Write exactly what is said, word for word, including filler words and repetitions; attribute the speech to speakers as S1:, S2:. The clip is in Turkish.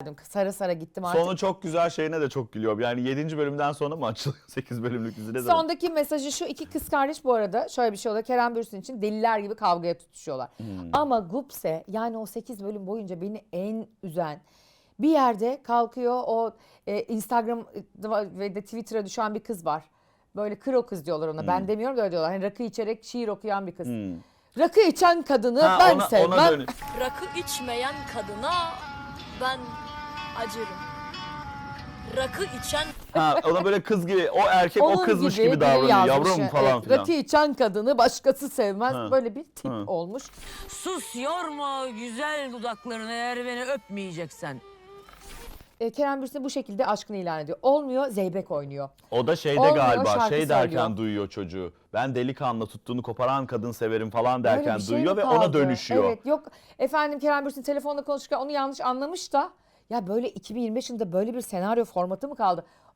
S1: geldim. Sara sara gittim artık.
S2: Sonu çok güzel şeyine de çok gülüyorum. Yani yedinci bölümden sonra mı açılıyor sekiz bölümlük dizi ne zaman?
S1: Sondaki mesajı şu: iki kız kardeş bu arada şöyle bir şey oluyor. Kerem Bürsin için deliler gibi kavgaya tutuşuyorlar.
S2: Hmm.
S1: Ama Gupse, yani o sekiz bölüm boyunca beni en üzen, bir yerde kalkıyor o e, Instagram ve de Twitter'a düşen bir kız var. Böyle kır o kız diyorlar ona. Ben demiyorum da öyle diyorlar. Hani rakı içerek şiir okuyan bir kız.
S2: Hmm.
S1: Rakı içen kadını
S2: Ha,
S1: ben
S2: ona,
S1: sevmem.
S2: ona dönüş.
S3: Rakı içmeyen kadına ben acırım. Rakı içen
S2: Ha, ona böyle kız gibi, o erkek
S1: Onun
S2: o kızmış gibi,
S1: biri
S2: davranıyor.
S1: yazmış.
S2: Yavrum falan
S1: Evet,
S2: filan.
S1: rakı içen kadını başkası sevmez.
S2: Ha.
S1: Böyle bir tip
S2: Ha.
S1: olmuş.
S4: Sus yorma güzel dudaklarını eğer beni öpmeyeceksen.
S1: E, Kerem Bürsin bu şekilde aşkını ilan ediyor. Olmuyor, Zeybek oynuyor.
S2: O da şeyde
S1: Olmuyor,
S2: galiba
S1: şarkı
S2: şey derken
S1: söylüyor.
S2: duyuyor çocuğu. Ben delikanlı tuttuğunu koparan kadın severim falan
S1: Öyle
S2: derken
S1: bir şey
S2: duyuyor
S1: mi
S2: ve
S1: kaldı?
S2: ona dönüşüyor.
S1: Evet, yok efendim Kerem Bürsin telefonla konuşurken onu yanlış anlamış da, ya böyle iki bin yirmi beş yılında böyle bir senaryo formatı mı kaldı?